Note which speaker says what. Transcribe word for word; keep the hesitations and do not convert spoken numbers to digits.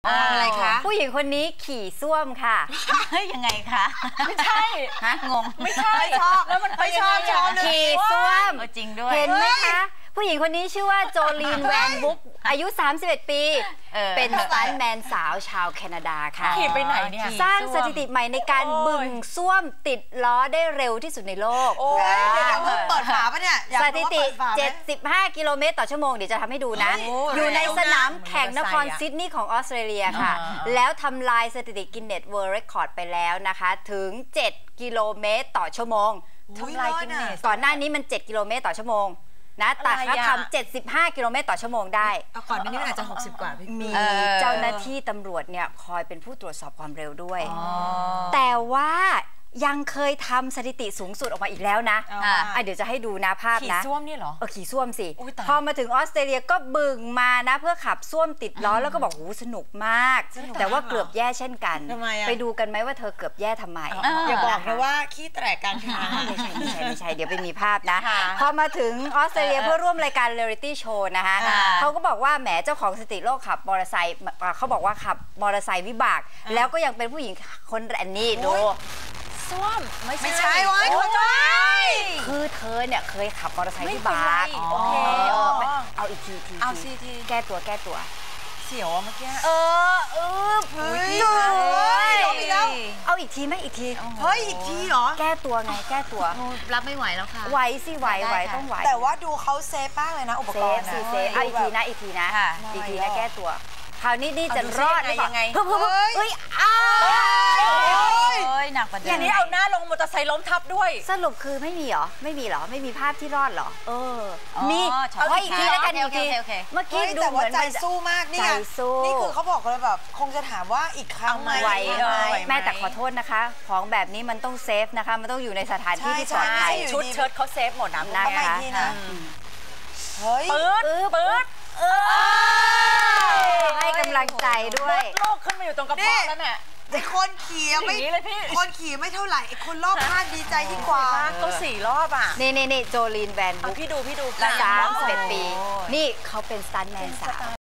Speaker 1: อะไรคะ
Speaker 2: ผู้หญิงคนนี้ขี่ส้วมค่ะ
Speaker 1: เฮ้ยยังไงคะ
Speaker 3: ไม่ใช่
Speaker 1: ฮะงง
Speaker 3: ไม่ใช่ชอบแล้วมันไปชอบชอบ
Speaker 2: ขี่ส้วม
Speaker 1: จริงด้วย
Speaker 2: เห็นไหมคะผู้หญิงคนนี้ชื่อว่าโจลีนแวนบุ๊กอายุสามสิบเอ็ดปีเป็นสตันท์แมนสาวชาวแคนาดาค่ะ
Speaker 3: ขี่ไปไหนเนี่ย
Speaker 2: สร้างสถิติใหม่ในการบึงส้วมติดล้อได้เร็วที่สุดในโลก
Speaker 1: โอ้ยเดี๋ยวเพิ่งเปิดฝาปะเนี่ย
Speaker 2: สถิติเจ็ดสิบห้ากิโลเมตรต่อชั่วโมงเดี๋ยวจะทำให้ดูนะอยู่ในสนามแข่งนครซิดนีย์ของออสเตรเลียค่ะแล้วทำลายสถิติกินเนสเวิลด์เรคคอร์ดไปแล้วนะคะถึงเจ็ดกิโลเมตรต่อชั่วโมง
Speaker 1: ทำลายกินเนส
Speaker 2: ก่อนหน้านี้มันเจ็ดกิโลเมตรต่อชั่วโมงนะแต่เขาทำเจ็ดสิบห้ากิโลเมตรต่อชั่วโมงได้
Speaker 1: ก่อนหน้านี้มันอาจจะหกสิบกว่าพี่
Speaker 2: มีเจ้าหน้าที่ตำรวจเนี่ยคอยเป็นผู้ตรวจสอบความเร็วด้วยแต่ว่ายังเคยทำสถิติสูงสุดออกมาอีกแล้วนะอ่ะเดี๋ยวจะให้ดูนะภาพนะ
Speaker 3: ขี่ส้วมนี่เหรอ
Speaker 2: เออขี่ส้วมสิพอมาถึงออสเตรเลียก็บึงมานะเพื่อขับส้วมติดล้อแล้วก็บอกหูสนุกมากแต่ว่าเกือบแย่เช่นกันไปดูกันไหมว่าเธอเกือบแย่ทำไม
Speaker 1: อย่าบอกนะว่าขี้แตกกลางทาง
Speaker 2: ไม่ใช่ไม่ใช่ไม่ใช่เดี๋ยวไปมีภาพนะพอมาถึงออสเตรเลียเพื่อร่วมรายการเรียลิตี้โชว์นะคะเขาก็บอกว่าแหมเจ้าของสถิติโลกขับมอเตอร์ไซค์เขาบอกว่าขับมอเตอร์ไซค์วิบากแล้วก็ยังเป็นผู้หญิงคนแรกนี่ดู
Speaker 3: ส้วม
Speaker 1: ไม่ใช่วะคุณจ้อย
Speaker 2: คือเธอเนี่ยเคยขับมอเตอร์ไซค์วิบาก
Speaker 3: โอเค
Speaker 2: เอาอีกทีที
Speaker 1: เอาซีที
Speaker 2: แก้ตัวแก้ตัว
Speaker 3: เสียวเมื่อกี้
Speaker 2: เออเออ
Speaker 1: เฮ้ยลงอีกแล้ว
Speaker 2: เอาอีกทีไหมอีกที
Speaker 1: เฮ้ยอีกทีเหรอ
Speaker 2: แก้ตัวไงแก้ตัว
Speaker 1: รับไม่ไหวแล้วค่ะ
Speaker 2: ไหวสิไหวไหวต้องไหว
Speaker 1: แต่ว่าดูเขาเซฟมากเลยนะอุปกรณ์
Speaker 2: เซฟเซฟเอาอีกทีนะอีกทีนะอีกทีนะแก้ตัวคราวนี้นี่จะรอดหรือเปล่าเฮ้ยเฮ้ยอ้าว
Speaker 1: หนักประเด็น
Speaker 3: อย่างนี้เอาหน้าลงมอเตอร์ไซค์ล้มทับด้วย
Speaker 2: สรุปคือไม่มีเหรอไม่มีเหรอไม่มีภาพที่รอดเหรอเออมีเอาอีกทีแล้วกันอีกทีเมื่อกี้ดูเหมือน
Speaker 1: ใจสู้มากนี่ไงนี่คือเขาบอกเลยแบบคงจะถามว่าอีกครั้งไหม
Speaker 2: ไหวแม่แต่ขอโทษนะคะของแบบนี้มันต้องเซฟนะคะมันต้องอยู่ในสถานที่ที่ปลอดภัย
Speaker 3: ชุดเชิ้ตเขาเซฟหมดนะ
Speaker 2: นะคะ
Speaker 1: เฮ้ย
Speaker 3: ปื๊ดปื๊ด
Speaker 2: ให้กำลังใจด้วย
Speaker 3: โลกขึ้นมาอยู่ตรงกระเพาะแล้วเนี่ย
Speaker 1: ไอ้คนขี่ไม่คนขี่ไม่เท่าไหร่ไอ้คนรอบข้างดีใจยิ่งกว่า
Speaker 3: ก็สี่รอบอ่ะ
Speaker 2: นี่นี่นี่โจลีนแวนบุ๊ก
Speaker 3: พี่ดูพี่ดู
Speaker 2: สามสิบเอ็ดปีนี่เขาเป็นสตันท์แมนสาว